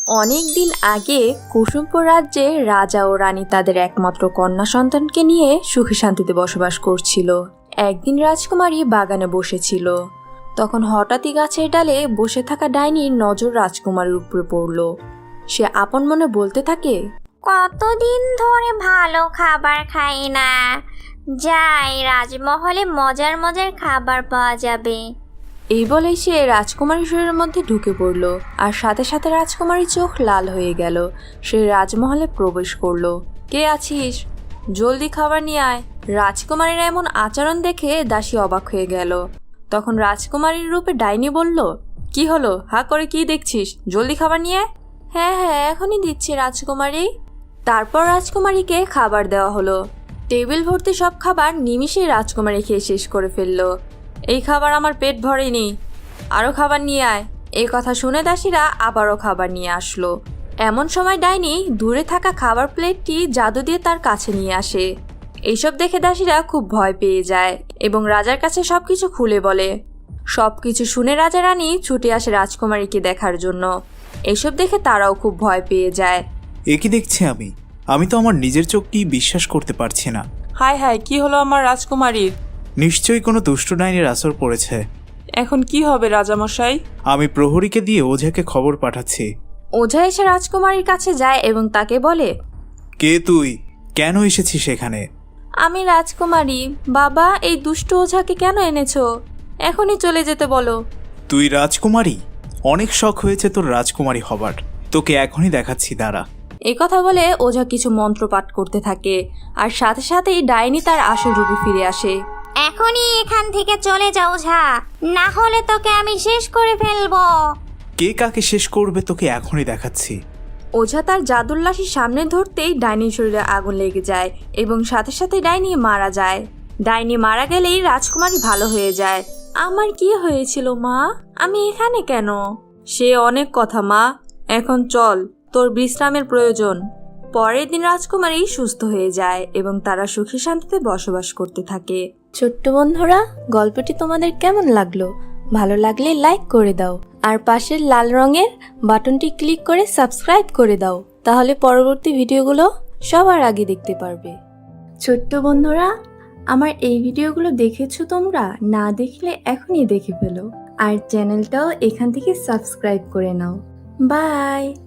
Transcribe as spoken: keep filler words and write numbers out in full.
অনেক দিন আগে কুসুমপুর রাজ্যে রাজা ও রানী তাদের একমাত্র কন্যা সন্তানকে নিয়ে সুখে শান্তিতে বসবাস করছিল। একদিন রাজকুমারী বাগানে বসেছিল, তখন হঠাৎই গাছের ডালে বসে থাকা ডাইনির নজর রাজকুমারীর উপরে পড়ল। সে আপন মনে বলতে থাকে, কতদিন ধরে ভালো খাবার খাই না, যাই রাজমহলে মজার মজার খাবার পাওয়া যাবে। এই বলেই সে রাজকুমারীর শরীরের মধ্যে ঢুকে পড়ল, আর সাথে সাথে রাজকুমারীর চোখ লাল হয়ে গেল। সে রাজমহলে প্রবেশ করলো। কে আছিস? জলদি খাবার নিয়ে আয়। রাজকুমারীর এমন আচরণ দেখে দাসী অবাক হয়ে গেল। তখন রাজকুমারীর রূপে ডাইনি বলল, কি হলো? হা করে কি দেখছিস? জলদি খাবার নিয়ে আয়। হ্যাঁ হ্যাঁ এখনই দিচ্ছি রাজকুমারী। তারপর রাজকুমারীকে খাবার দেওয়া হলো। টেবিল ভর্তি সব খাবার নিমিষেই রাজকুমারী খেয়ে শেষ করে ফেললো। এই খাবার আমার পেট ভরেনি, আরও খাবার নিয়ে আয়। এই কথা শুনে দাসীরা আবারও খাবার নিয়ে আসলো। এমন সময় ডাইনি দূরে থাকা খাবার প্লেটটি জাদু দিয়ে তার কাছে নিয়ে আসে। এইসব দেখে দাসীরা খুব ভয় পেয়ে যায় এবং রাজার কাছে সবকিছু খুলে বলে। সবকিছু শুনে রাজা রানী ছুটে আসে রাজকুমারীকে দেখার জন্য। এইসব দেখে তারাও খুব ভয় পেয়ে যায়। এ কি দেখছি আমি আমি তো আমার নিজের চোখটি বিশ্বাস করতে পারছি না। হায় হায়, কি হলো আমার রাজকুমারীর? নিশ্চয়ই কোনো দুষ্ট ডাইনির আসর পড়েছে। এখন কি হবে রাজামশাই? আমি প্রহরীকে দিয়ে ওঝাকে খবর পাঠাচ্ছি। ওঝা এসে রাজকুমারীর কাছে যায় এবং তাকে বলে, কে তুই? কেন এসেছিস এখানে? আমি রাজকুমারী। বাবা, এই দুষ্ট ওঝাকে কেন এনেছো? এখনই চলে যেতে বলো। তুই রাজকুমারী? অনেক শখ হয়েছে তোর রাজকুমারী হবার। তোকে এখনই দেখাচ্ছি, দাঁড়া। এই কথা বলে ওঝা কিছু মন্ত্র পাঠ করতে থাকে, আর সাথে সাথেই ডাইনি তার আসল রূপে ফিরে আসে। এখনই এখান থেকে চলে যাও ঝা, না হলে তোকে আমি শেষ করে ফেলবো। কে কাকে শেষ করবে তোকে এখনই দেখাচ্ছি। ওঝা তার জাদুর লাঠি সামনে ধরতেই ডাইনির শরীরে আগুন লেগে যায় এবং সাথে সাথে ডাইনি মারা যায়। ডাইনি মারা গেলেই রাজকুমারী ভালো হয়ে যায়। আমার কি হয়েছিল মা? আমি এখানে কেন? সে অনেক কথা মা, এখন চল, তোর বিশ্রামের প্রয়োজন। পরের দিন রাজকুমারী সুস্থ হয়ে যায় এবং তারা সুখী শান্তিতে বসবাস করতে থাকে। ছোট্ট বন্ধুরা, গল্পটি তোমাদের কেমন লাগলো? ভালো লাগলে লাইক করে দাও, আর পাশের লাল রঙের বাটনটি ক্লিক করে সাবস্ক্রাইব করে দাও, তাহলে পরবর্তী ভিডিওগুলো সবার আগে দেখতে পারবে। ছোট্ট বন্ধুরা, আমার এই ভিডিওগুলো দেখেছো তোমরা? না দেখলে এখনই দেখে ফেলো, আর চ্যানেলটাও এখান থেকে সাবস্ক্রাইব করে নাও। বাই।